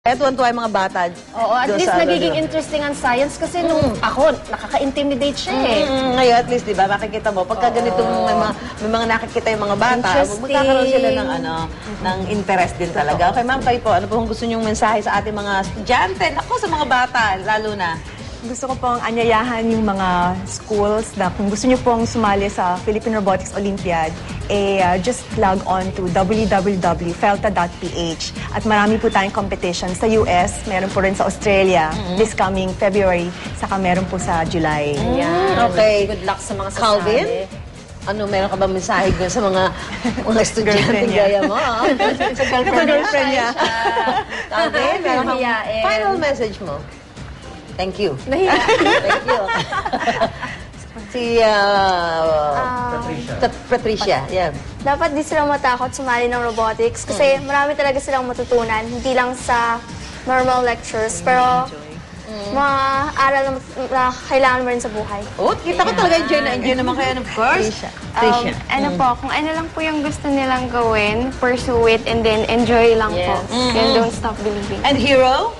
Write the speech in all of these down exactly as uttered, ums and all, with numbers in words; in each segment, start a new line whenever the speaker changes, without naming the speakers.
Eh, tuwan-tuwa yung mga bata.
Oo, at
doon
least
sa ano,
nagiging
diba?
interesting ang science kasi nung ako, nakaka-intimidate siya eh.
Mm, ngayon, at least, di ba, makikita mo, pagka ganito may mga, may mga nakikita yung mga bata,
Interesting.
magkakaroon sila ng, ano, ng interest din talaga. Okay, ma'am, kayo po, ano po kung gusto niyong mensahe sa ating mga estudyante? Ako, sa mga bata, lalo na.
Gusto ko pong anyayahan yung mga schools na kung gusto niyo pong sumali sa Philippine Robotics Olympiad, eh, uh, just log on to w w w dot felta dot p h. At marami po tayong competition sa U S, meron po rin sa Australia mm-hmm. this coming February, saka meron po sa July.
Ayan.
Okay.
Good luck sa mga sasali.
Calvin? Ano, meron ka ba mensahe dun sa mga mga estudyante gaya mo? ah?
Sa girlfriend, girlfriend niya.
Calvin, meron kang
Hiyain.
final message mo? Thank you.
Nahiya.
Thank you. Si uh, Pat- Patricia. Yeah.
Dapat di sila matakot sumali ng robotics kasi marami talaga silang matutunan, hindi lang sa normal lectures, pero mga aral na, na kailangan mo rin sa buhay.
Oh, kita ko talaga enjoy na enjoy naman kayo, of course. Patricia.
Um, ano po, kung ano lang po yung gusto nilang gawin, pursue it and then enjoy lang po.
Yes.
And don't stop believing.
And Hero?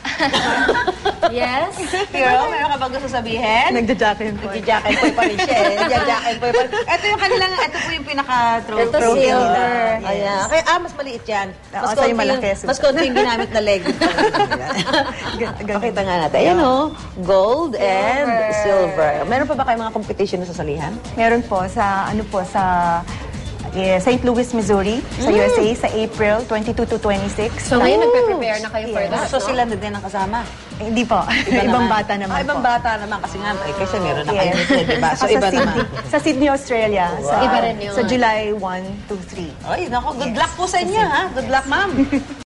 Yes?
Hero, meron ka ba gusto sabihin?
Nagja-jackin po.
Nagja-jacket boy pa rin siya eh. Nagja-jacket boy pa rin. Ito yung kanilang, ito po yung pinaka-trophy.
Ito silver.
Yes. Ayan. Kaya, ah, mas maliit yan.
Oo, sa'yo malaki.
Yung, mas konti yung ginamit na leg. Pakita nga natin. Ayan o, gold and silver. Meron pa ba kayo mga competition na sasalihan?
Meron po sa, ano po, sa eh, Saint Louis, Missouri, sa U S A, sa April twenty-two to twenty-six.
So ngayon, nagpe-prepare na kayo for
Yes.
that,
So
no?
sila na din ang kasama?
Eh, hindi po. Ibang bata naman
Ah, ibang
po.
bata naman kasi nga, eh, kasi meron na kayo
Yes.
nito, diba? So
Saka
iba
sa Sydney,
naman.
Sa Sydney, Australia. Sa,
Iba rin yun.
Sa July one to three.
Ay, nako, good luck po sa inyo, ha? Good luck, ma'am.